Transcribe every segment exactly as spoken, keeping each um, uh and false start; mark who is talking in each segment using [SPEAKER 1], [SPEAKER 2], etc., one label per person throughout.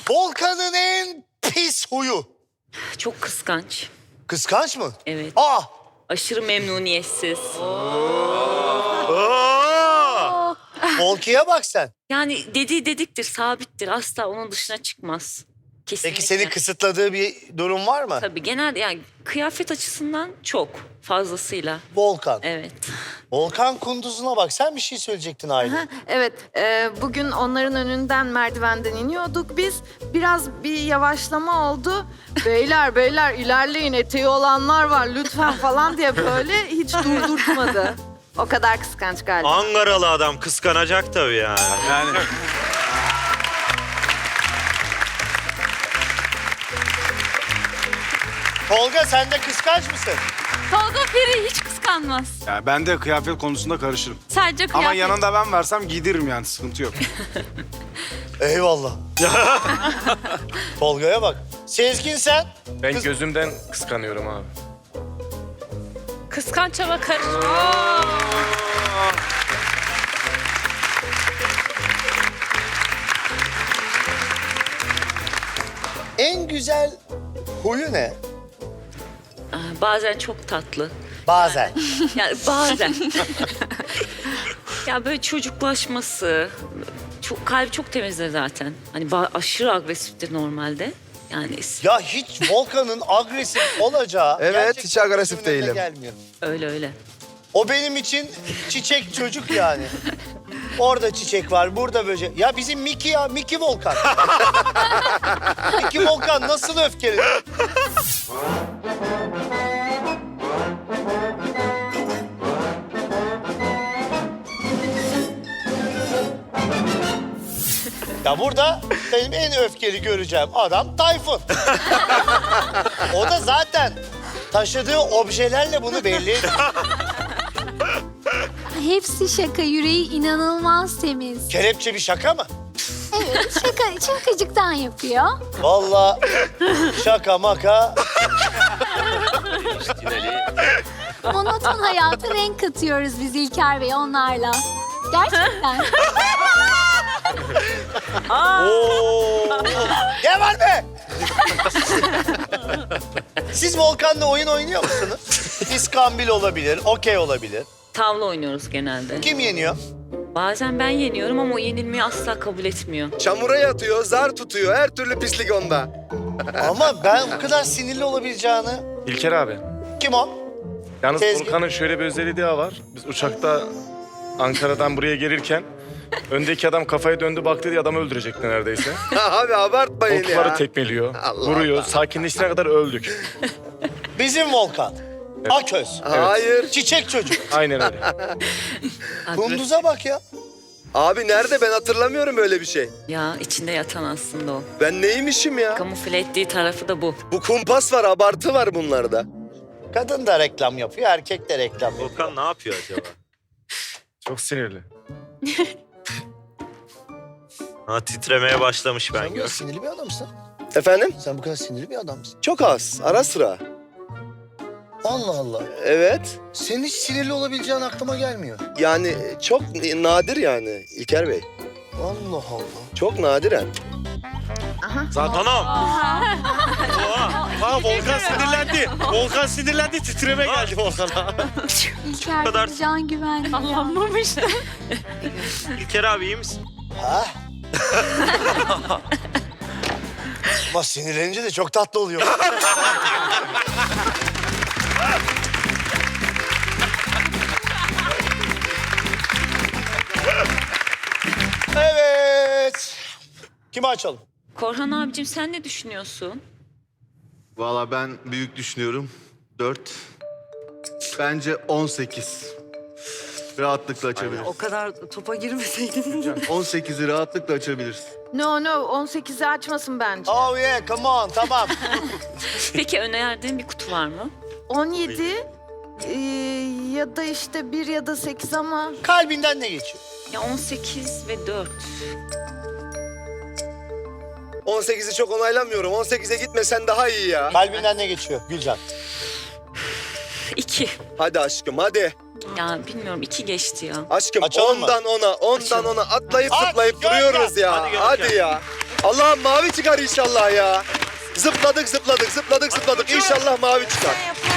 [SPEAKER 1] Volkan'ın en pis huyu.
[SPEAKER 2] Çok kıskanç.
[SPEAKER 1] Kıskanç mı?
[SPEAKER 2] Evet.
[SPEAKER 1] Aa!
[SPEAKER 2] Aşırı memnuniyetsiz.
[SPEAKER 1] Volki'ye bak sen.
[SPEAKER 2] Yani dediği dediktir, sabittir. Asla onun dışına çıkmaz. Kesinlikle.
[SPEAKER 1] Peki seni kısıtladığı bir durum var mı?
[SPEAKER 2] Tabii genel yani kıyafet açısından çok fazlasıyla.
[SPEAKER 1] Volkan.
[SPEAKER 2] Evet.
[SPEAKER 1] Volkan Kunduz'una bak. Sen bir şey söyleyecektin Aylin.
[SPEAKER 3] Evet, e, bugün onların önünden merdivenden iniyorduk biz. Biraz bir yavaşlama oldu. Beyler beyler ilerleyin, eteği olanlar var lütfen falan diye böyle hiç durdurtmadı. O kadar kıskanç galiba.
[SPEAKER 4] Ankaralı adam kıskanacak tabii yani.
[SPEAKER 5] Yani
[SPEAKER 1] Tolga sen de kıskanç mısın?
[SPEAKER 6] Tolga Feri hiç kıskanmaz.
[SPEAKER 5] ya ben de kıyafet konusunda karışırım.
[SPEAKER 6] Sadece kıyafet.
[SPEAKER 5] Ama yanında ben versem giydiririm yani, sıkıntı yok.
[SPEAKER 1] Eyvallah. Tolga'ya bak. Sezgin sen?
[SPEAKER 7] Ben
[SPEAKER 1] Kız-
[SPEAKER 7] gözümden kıskanıyorum abi.
[SPEAKER 6] Kıskanç ama karış.
[SPEAKER 1] En güzel huyu ne?
[SPEAKER 2] Aa, bazen çok tatlı.
[SPEAKER 1] Bazen.
[SPEAKER 2] Yani bazen. Ya böyle çocuklaşması. Çok, kalbi çok temizdir zaten. Hani ba- aşırı agresiftir normalde. Yani
[SPEAKER 1] Ya hiç Volkan'ın agresif olacağı...
[SPEAKER 8] Evet,
[SPEAKER 1] gerçekten
[SPEAKER 8] hiç agresif
[SPEAKER 1] gözümün önüne
[SPEAKER 8] değilim.
[SPEAKER 1] Gelmiyor.
[SPEAKER 2] öyle öyle.
[SPEAKER 1] O benim için çiçek çocuk yani. Orada çiçek var, burada böcek. Ya bizim Miki ya, Miki Volkan. Miki Volkan nasıl öfkeli? Ya burada benim en öfkeli göreceğim adam Tayfun. O da zaten taşıdığı objelerle bunu belli ediyor.
[SPEAKER 9] Hepsi şaka, yüreği inanılmaz temiz.
[SPEAKER 1] Kelepçe bir şaka mı?
[SPEAKER 9] Evet, şaka, şakacıktan yapıyor.
[SPEAKER 1] Vallahi şaka maka.
[SPEAKER 9] Monoton hayata renk katıyoruz biz İlker Bey onlarla. Gerçekten.
[SPEAKER 1] Oo. Ne var be? Siz Volkan'la oyun oynuyor musunuz? İskambil olabilir, okey olabilir.
[SPEAKER 2] Tavla oynuyoruz genelde.
[SPEAKER 1] Kim yeniyor?
[SPEAKER 2] Bazen ben yeniyorum ama o yenilmeyi asla kabul etmiyor.
[SPEAKER 8] Çamura yatıyor, zar tutuyor. Her türlü pislik onda.
[SPEAKER 1] Ama ben o kadar sinirli olabileceğini...
[SPEAKER 7] İlker abi.
[SPEAKER 1] Kim o?
[SPEAKER 7] Yalnız
[SPEAKER 1] Sezgin.
[SPEAKER 7] Volkan'ın şöyle bir özelliği daha var. Biz uçakta Ankara'dan buraya gelirken öndeki adam kafaya döndü baktı diye adamı öldürecekti neredeyse.
[SPEAKER 8] Abi abartmayın
[SPEAKER 7] Koltukları
[SPEAKER 8] ya.
[SPEAKER 7] tekmeliyor,
[SPEAKER 8] Allah
[SPEAKER 7] vuruyor.
[SPEAKER 8] Allah.
[SPEAKER 7] Sakinleşene kadar öldük.
[SPEAKER 1] Bizim Volkan. Aköz.
[SPEAKER 8] Hayır.
[SPEAKER 1] Çiçek çocuk.
[SPEAKER 7] Aynen öyle.
[SPEAKER 1] Kunduz'a bak ya.
[SPEAKER 8] Abi nerede, ben hatırlamıyorum öyle bir şey.
[SPEAKER 2] Ya içinde yatan aslında o.
[SPEAKER 8] Ben neymişim ya?
[SPEAKER 2] Kamufle ettiği tarafı da bu.
[SPEAKER 8] Bu kumpas var, abartı var bunlarda.
[SPEAKER 1] Kadın da reklam yapıyor, erkek de reklam yapıyor.
[SPEAKER 4] Volkan ne yapıyor acaba?
[SPEAKER 7] Çok sinirli.
[SPEAKER 4] Ha, titremeye başlamış ben
[SPEAKER 1] Sen bu kadar
[SPEAKER 4] gör.
[SPEAKER 1] sinirli bir adamsın.
[SPEAKER 8] Efendim?
[SPEAKER 1] Sen bu kadar sinirli bir adamsın.
[SPEAKER 8] Çok az, ara sıra.
[SPEAKER 1] Allah Allah.
[SPEAKER 8] Evet.
[SPEAKER 1] Senin hiç sinirli olabileceğin aklıma gelmiyor.
[SPEAKER 8] Yani çok nadir yani İlker Bey.
[SPEAKER 1] Allah Allah.
[SPEAKER 8] Çok nadiren.
[SPEAKER 4] Zaten anam. Oha. Ha, Volkan sinirlendi. Volkan sinirlendi, titreme geldi Volkan'a.
[SPEAKER 9] İlker
[SPEAKER 4] kadar-
[SPEAKER 9] Bey can güvenli.
[SPEAKER 6] Anlamamış.
[SPEAKER 4] İlker abi iyi misin?
[SPEAKER 1] Ha? Ama sinirlenince de çok tatlı oluyor. Evet. Kimi açalım?
[SPEAKER 2] Korhan abicim sen ne düşünüyorsun?
[SPEAKER 10] Valla ben büyük düşünüyorum. Dört. Bence on sekiz. Rahatlıkla açabiliriz.
[SPEAKER 3] O kadar topa girmeseydin.
[SPEAKER 10] on sekizi rahatlıkla açabiliriz.
[SPEAKER 3] No no on sekizi açmasın bence.
[SPEAKER 1] Oh yeah, come on, tamam.
[SPEAKER 2] Peki önerdiğin bir kutu var mı?
[SPEAKER 3] on yedi e, ya da işte bir ya da sekiz ama
[SPEAKER 1] Kalbinden ne geçiyor?
[SPEAKER 2] Ya on sekiz ve dört.
[SPEAKER 8] on sekizi çok onaylamıyorum. on sekize gitmesen daha iyi ya.
[SPEAKER 1] Kalbinden ne geçiyor Gülcan?
[SPEAKER 2] İki.
[SPEAKER 8] Hadi aşkım, hadi.
[SPEAKER 2] Ya bilmiyorum iki geçti ya.
[SPEAKER 8] Aşkım
[SPEAKER 1] Açalım mı?
[SPEAKER 8] ondan ona, ondan
[SPEAKER 2] Açalım.
[SPEAKER 8] ona atlayıp
[SPEAKER 1] Aç,
[SPEAKER 8] zıplayıp
[SPEAKER 1] gör
[SPEAKER 8] duruyoruz
[SPEAKER 1] gel.
[SPEAKER 8] ya.
[SPEAKER 4] Hadi
[SPEAKER 8] Hadi,
[SPEAKER 4] gör gel.
[SPEAKER 8] ya. Allah'ım mavi çıkar inşallah ya. Zıpladık zıpladık zıpladık zıpladık. İnşallah mavi çıkar.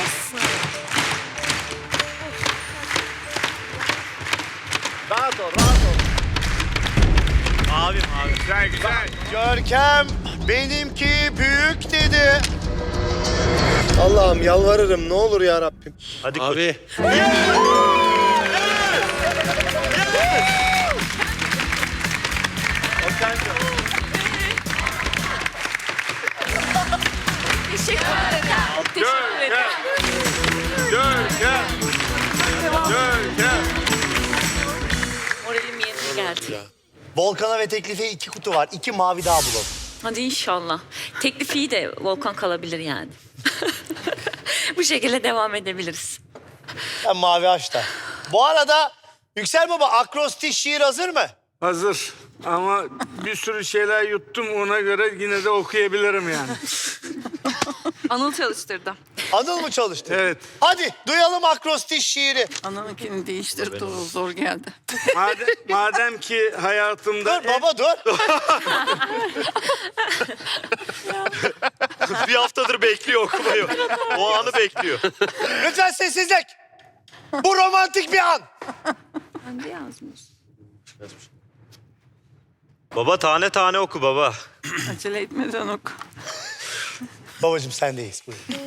[SPEAKER 1] Rahat ol, rahat ol.
[SPEAKER 4] Abi abi.
[SPEAKER 5] Güzel güzel.
[SPEAKER 1] Görkem benimki büyük dedi.
[SPEAKER 8] Allah'ım yalvarırım ne olur ya Rabbim.
[SPEAKER 4] Hadi koç. Abi.
[SPEAKER 6] Teşekkür ederim. Teşekkür ederim.
[SPEAKER 5] Görkem. Görkem.
[SPEAKER 2] Moralim yerine geldi.
[SPEAKER 1] Volkan'a ve teklife iki kutu var. İki mavi daha bulalım.
[SPEAKER 2] Hadi inşallah. Teklif iyi de Volkan kalabilir yani. Bu şekilde devam edebiliriz.
[SPEAKER 1] Ben mavi açta. Bu arada Yüksel Baba akrostiş şiir hazır mı?
[SPEAKER 5] Hazır. Ama bir sürü şeyler yuttum ona göre yine de okuyabilirim yani.
[SPEAKER 3] Anıl çalıştırdı.
[SPEAKER 1] Anıl mı çalıştı?
[SPEAKER 5] Evet.
[SPEAKER 1] Hadi duyalım akrostiş şiiri.
[SPEAKER 3] Anıl'ınkini değiştirdi, o zor geldi.
[SPEAKER 5] Madem, madem ki hayatımda...
[SPEAKER 1] Dur baba dur.
[SPEAKER 4] Bir haftadır bekliyor okumayı. O anı bekliyor.
[SPEAKER 1] Lütfen sessizlik. Bu romantik bir an.
[SPEAKER 2] Ben de yazmış.
[SPEAKER 4] Baba tane tane oku baba.
[SPEAKER 3] Acele etmeden oku.
[SPEAKER 1] Babacığım sendeyiz. Buyurun.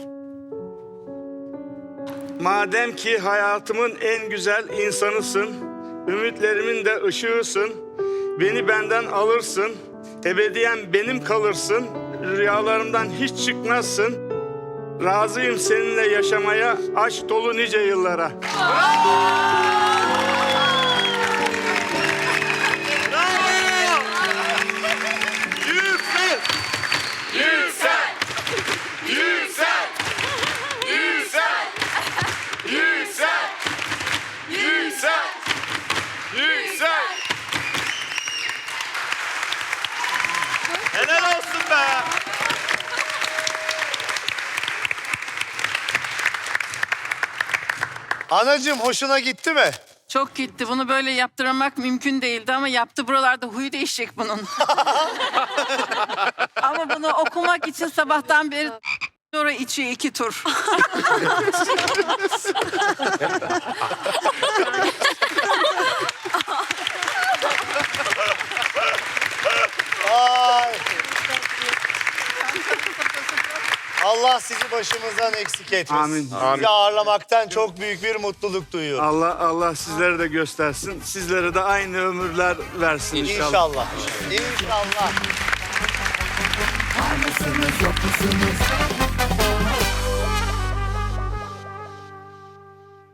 [SPEAKER 5] Madem ki hayatımın en güzel insanısın, ümitlerimin de ışığısın, beni benden alırsın, ebediyen benim kalırsın, rüyalarımdan hiç çıkmazsın, razıyım seninle yaşamaya, aşk dolu nice yıllara.
[SPEAKER 4] Yüksel! Yüksel! Yüksel! Yüksel! Yüksel! Yüksel! Yüksel! Helal olsun be!
[SPEAKER 1] Anacığım hoşuna gitti mi?
[SPEAKER 3] Çok gitti. Bunu böyle yaptırmak mümkün değildi ama yaptı. Buralarda huyu değişecek bunun. Ama bunu okumak için sabahtan beri sonra içiyor iki tur.
[SPEAKER 1] Ay. Allah sizi başımızdan eksik etmesin.
[SPEAKER 5] Amin.
[SPEAKER 1] Sizi ağırlamaktan çok büyük bir mutluluk duyuyorum.
[SPEAKER 5] Allah Allah sizlere de göstersin. Sizlere de aynı ömürler versin inşallah.
[SPEAKER 1] İnşallah. İnşallah.
[SPEAKER 11] Var mısınız yok musunuz?